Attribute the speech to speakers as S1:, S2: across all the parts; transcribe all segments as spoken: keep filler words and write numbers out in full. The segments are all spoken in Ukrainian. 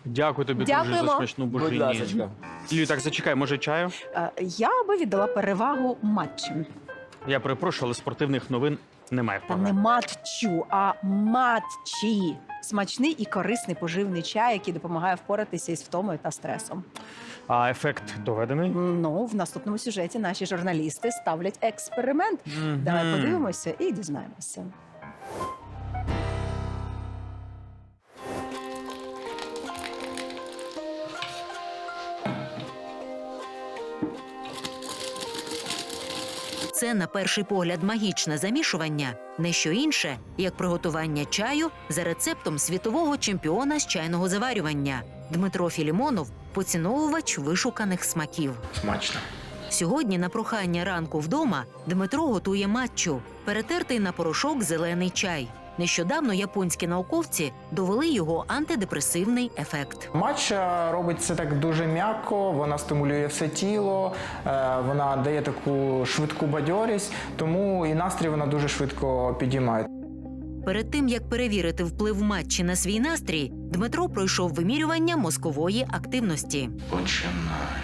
S1: Дякую тобі дуже
S2: Дякуємо.
S1: за смачну
S3: Будь
S1: бужині.
S3: ласочка.
S1: Лію, так зачекай, може чаю?
S2: Е, Я би віддала перевагу матчу.
S1: Я перепрошую, але спортивних новин немає.
S2: Та не матчу, а матчі. Смачний і корисний поживний чай, який допомагає впоратися із втомою та стресом.
S1: А ефект доведений?
S2: Ну, в наступному сюжеті наші журналісти ставлять експеримент. Давай
S1: Мгм.
S2: подивимося і дізнаємося.
S4: Це, на перший погляд, магічне замішування – не що інше, як приготування чаю за рецептом світового чемпіона з чайного заварювання. Дмитро Філімонов – поціновувач вишуканих смаків.
S1: Смачно.
S4: Сьогодні на прохання ранку вдома Дмитро готує матчу – перетертий на порошок зелений чай. Нещодавно японські науковці довели його антидепресивний ефект.
S3: Матча робить це так дуже м'яко, вона стимулює все тіло, е, вона дає таку швидку бадьорість, тому і настрій вона дуже швидко підіймає.
S4: Перед тим, як перевірити вплив матчі на свій настрій, Дмитро пройшов вимірювання мозкової активності.
S5: Починаю.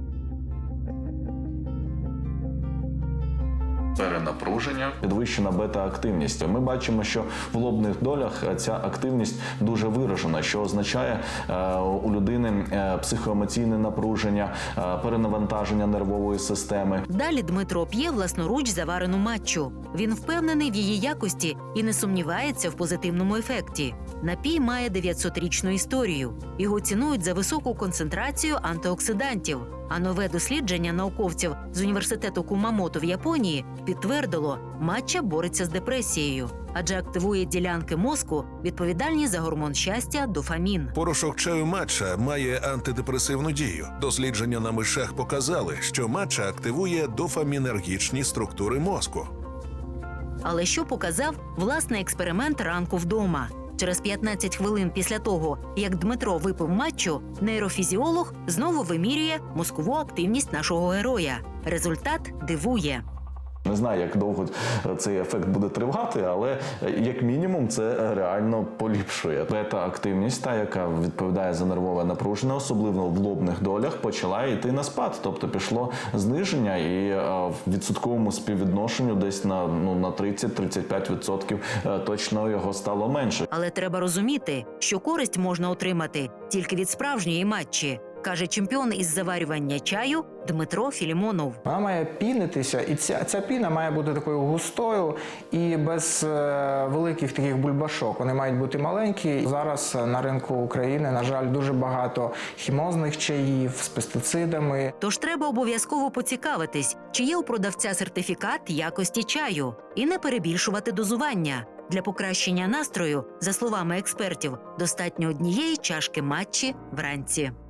S5: Перенапруження.
S6: Підвищена бета-активність. Ми бачимо, що в лобних долях ця активність дуже виражена, що означає е, у людини е, психоемоційне напруження, е, перенавантаження нервової системи.
S4: Далі Дмитро п'є власноруч заварену матчу. Він впевнений в її якості і не сумнівається в позитивному ефекті. Напій має дев'ятсотрічну історію. Його цінують за високу концентрацію антиоксидантів. А нове дослідження науковців з університету Кумамото в Японії підтвердило, матча бореться з депресією, адже активує ділянки мозку, відповідальні за гормон щастя – дофамін.
S7: Порошок чаю матча має антидепресивну дію. Дослідження на мишах показали, що матча активує дофамінергічні структури мозку.
S4: Але що показав власний експеримент ранку вдома? Через п'ятнадцять хвилин після того, як Дмитро випив матчу, нейрофізіолог знову вимірює мозкову активність нашого героя. Результат дивує.
S6: Не знаю, як довго цей ефект буде тривати, але як мінімум це реально поліпшує. Бета-активність, та, яка відповідає за нервове напруження, особливо в лобних долях, почала йти на спад. Тобто пішло зниження і в відсотковому співвідношенню десь на, ну, на тридцять-тридцять п'ять відсотків точно його стало менше.
S4: Але треба розуміти, що користь можна отримати тільки від справжньої матчі, каже чемпіон із заварювання чаю Дмитро Філімонов.
S3: Вона має пінитися, і ця, ця піна має бути такою густою і без е, великих таких бульбашок. Вони мають бути маленькі. Зараз на ринку України, на жаль, дуже багато хімозних чаїв з пестицидами.
S4: Тож треба обов'язково поцікавитись, чи є у продавця сертифікат якості чаю, і не перебільшувати дозування. Для покращення настрою, за словами експертів, достатньо однієї чашки матчі вранці.